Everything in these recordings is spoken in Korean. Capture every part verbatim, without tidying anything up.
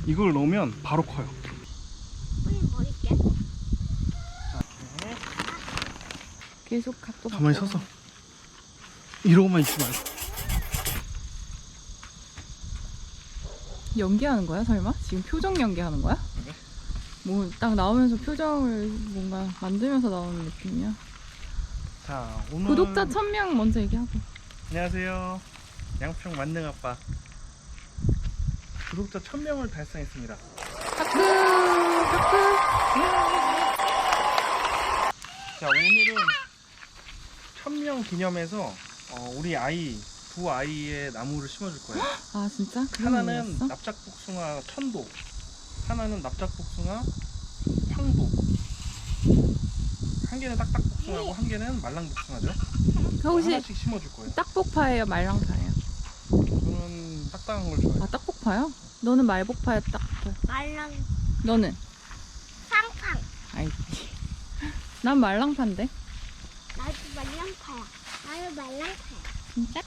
이걸 넣으면 바로 커요. 뿌리 버릴게. 자, 이렇게 계속 각도 가만히 바꿔. 서서 이러고만 있지 말고. 연기하는 거야 설마? 지금 표정 연기하는 거야? 네. 뭐 딱 나오면서 표정을 뭔가 만들면서 나오는 느낌이야. 자, 오늘 구독자 천 명 먼저 얘기하고. 안녕하세요. 양평 만능 아빠. 구독자 천 명을 달성했습니다. 하크 하크. 자, 오늘은 천 명 기념해서 어, 우리 아이 두 아이의 나무를 심어줄 거예요. 아 진짜? 그런 하나는 의미였어? 납작복숭아 천도, 하나는 납작복숭아 황도. 한 개는 딱딱복숭아고 한 개는 말랑복숭아죠. 그 혹시 하나씩 심어줄 거예요. 딱복파예요 말랑파예요? 저는 딱딱한 걸 좋아해요. 아 딱복파요? 너는 말복파야 딱복파야? 말랑 너는? 팡팡. 아이 난 말랑파인데. 나도 말랑파야. 나도 말랑파야. 진짜?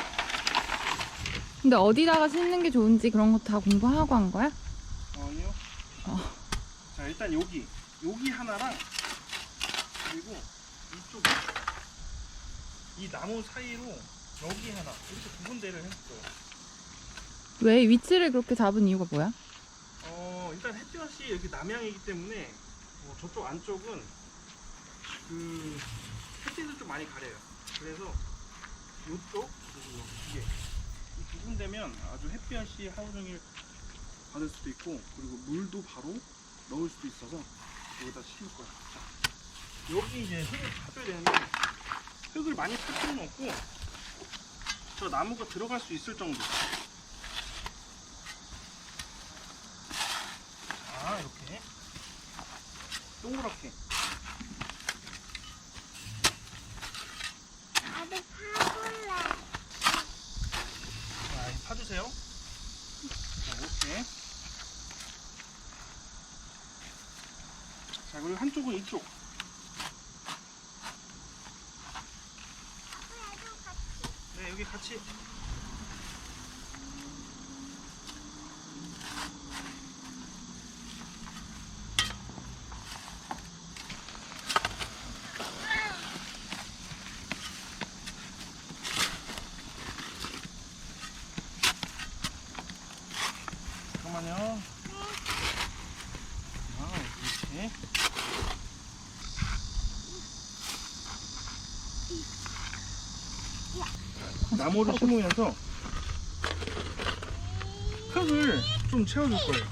근데 어디다가 심는 게 좋은지 그런 거 다 공부하고 한 거야? 아니요. 어. 자, 일단 여기 여기 하나랑 그리고 이쪽 이 나무 사이로 여기 하나 이렇게 두 군데를 했어요. 왜 위치를 그렇게 잡은 이유가 뭐야? 어, 일단 햇볕이 이렇게 남향이기 때문에 어, 저쪽 안쪽은 그 햇빛을 좀 많이 가려요. 그래서 이쪽 그리고 여기 두 개, 이 두 군데면 아주 햇볕이 하루 종일 받을 수도 있고 그리고 물도 바로 넣을 수도 있어서 여기다 심을 거야. 자, 여기 이제 흙을 파줘야 되는데 흙을 많이 팔 필요는 없고 저 나무가 들어갈 수 있을 정도. 자, 이렇게 동그랗게. 나도 파볼래. 자, 이제 파주세요. 자, 이렇게. 자, 그리고 한쪽은 이쪽. 네, 여기 같이. 잠깐만요. 아, 이렇게. 나무를 심으면서 흙을 좀 채워줄 거예요.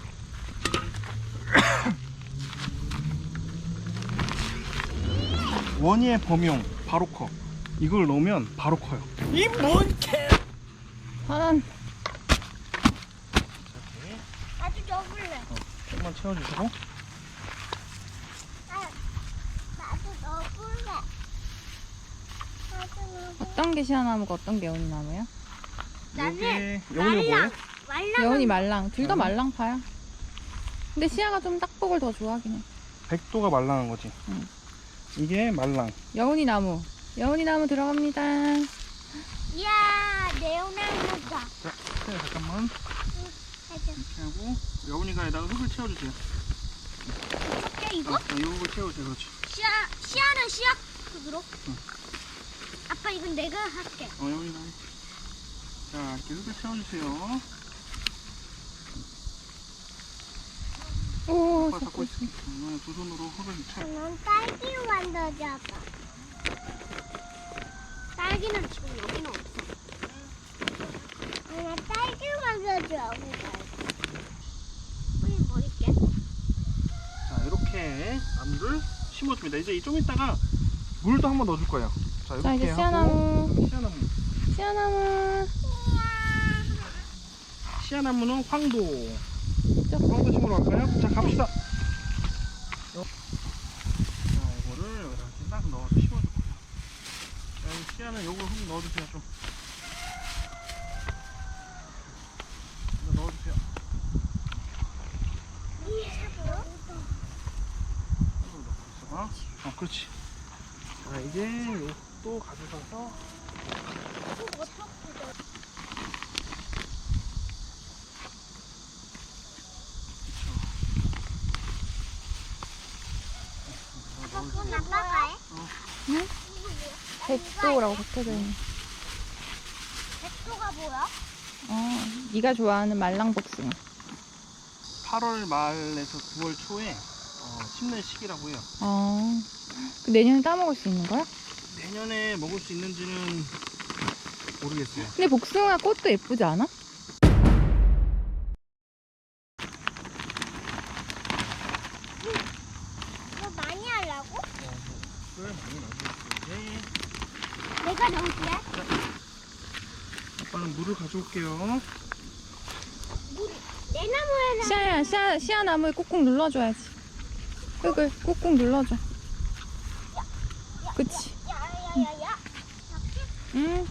원희의 범용 바로 커. 이걸 넣으면 바로 커요. 이 뭔 개! 화난. 이렇게 나도 넣어볼래. 조금만 채워주시고. 나, 나도 넣어볼래. 나도 넣어볼래. 어떤 게 시아나무가 어떤 게 여운나무야? 여기 여운이가 뭐예요? 말랑. 여운이 말랑. 둘 다 말랑? 말랑파야. 근데 시아가 좀 딱복을 더 좋아하긴 해. 백도가 말랑한 거지. 응. 이게 말랑. 여운이 나무. 여운이 나무 들어갑니다. 이야, 네오나무다. 자, 네, 잠깐만 해줘. 이렇게 하고 여운이가 여기다가 흙을 채워주세요. 어때 이거? 어, 이 흙을 채워주세요. 그렇지. 시아, 시아는 시아 흙으로? 응. 아빠 이건 내가 할게. 어, 여운이가. 자, 이렇게 흙을 채워주세요. 오, 아빠 잡고 있을게. 어, 두 손으로 흙을 채워. 넌 딸기 만들어줘, 아빠. 딸기는 지금 여기는 없어. 나 딸기 만들어줘. 뿌리 버릴게. 자, 이렇게 나무를 심어줍니다. 이제 좀 이따가 물도 한번 넣어줄 거예요. 자, 이렇게 자, 이제 하고 씨앗나무. 씨앗나무. 씨아나무. 씨앗나무는 황도. 저. 황도 심으러 갈까요? 자, 갑시다. 자, 이거를 여기다 이렇게 딱 넣어서 심어줄 거예요. 자, 이 씨앗은 요거 흙 넣어주세요. 좀. 이거 넣어주세요. 어, 그렇지. 자, 이제 요것도 가져가서 그건 아빠가 해? 응? 백도라고 적혀져 있네. 백도가 뭐야? 어, 네가 좋아하는 말랑복숭아. 팔월 말에서 구월 초에 어, 심는 시기라고 해요. 어, 그 내년에 따먹을 수 있는 거야? 내년에 먹을 수 있는지는 모르겠어요. 근데 복숭아 꽃도 예쁘지 않아? 이거 많이 하려고? 술 많이 넣어주세요. 내가 넣을게. 아빠는 물을 가져올게요. 물, 내 나무에는 시아야, 시아, 시아 나무에 꾹꾹 눌러줘야지. 흙을 꾹꾹 눌러줘. 그치? 야야야야. 응.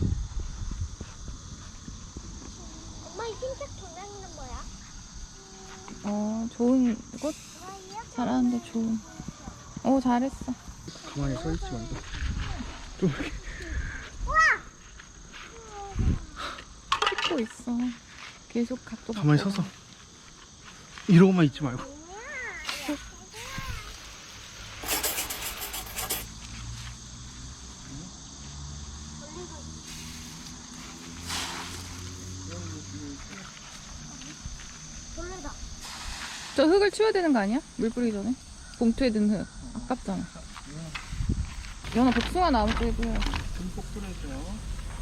엄마 이 흰색 도장이는 뭐야? 어, 좋은 꽃 잘하는데 좋은. 어, 잘했어. 가만히 서 있지 말고. 좀 이렇게. 찍고 있어. 계속 각도 가만히 바꿔. 서서. 이러고만 있지 말고. 돌려다. 저 흙을 치워야 되는 거 아니야? 물 뿌리기 전에? 봉투에 든 흙. 아깝잖아. 연아 복숭아 나무 쪽에도 해야지. 듬뿍 뿌려줘요.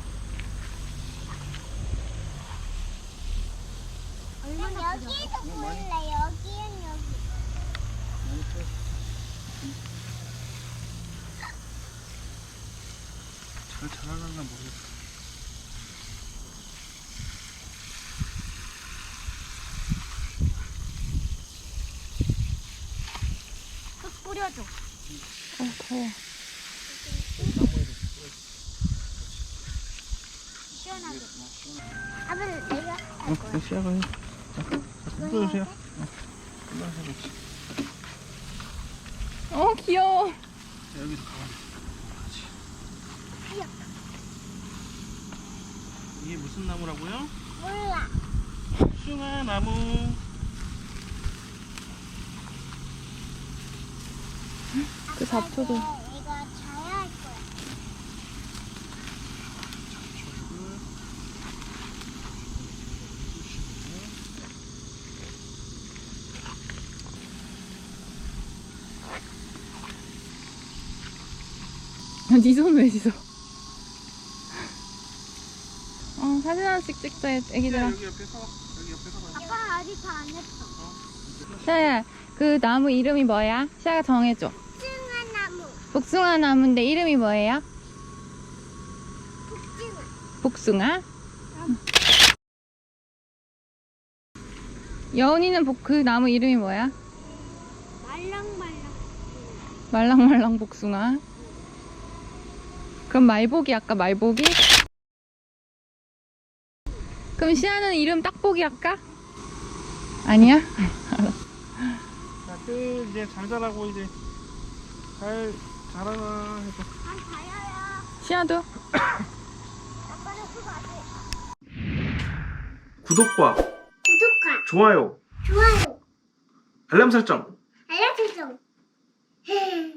여기에서 보일래. 여기엔 여기. 잘 자라려나 모르겠어. 흙 뿌려줘. 어, 더워. 시원하게. 아빠 내가 어, 어, 시작을 해. 자, 자, 뿌려주세요. 어, 뿌려주세요. 어, 귀여워. 자, 여기서 가만히. 그렇지. 이게 무슨 나무라고요? 몰라. 복숭아 나무. 그 잡초도. 아빠, 이제 이거 자야 할 거야. 네 손 왜 씻어? 어, 사진 하나씩 찍자, 애기들아. 여기 옆에서 여기 옆에서 봐. 아빠 아직 다 안 했어. 시아야, 그 나무 이름이 뭐야? 시아가 정해줘. 복숭아 나무. 복숭아 나무인데 이름이 뭐예요? 복숭아. 복숭아? 여운이는 복, 그 나무 이름이 뭐야? 말랑말랑. 말랑말랑 복숭아. 그럼 말복이 할까? 말복이? 그럼 시아는 이름 딱복이 할까? 아니야? 자, 끝. 이제 잘 자라고 이제 잘 자라나 해서. 난 자야야. 시아도? 아빠는 그거 안 해. 구독과 구독과 좋아요, 좋아요. 알람 설정. 알람 설정.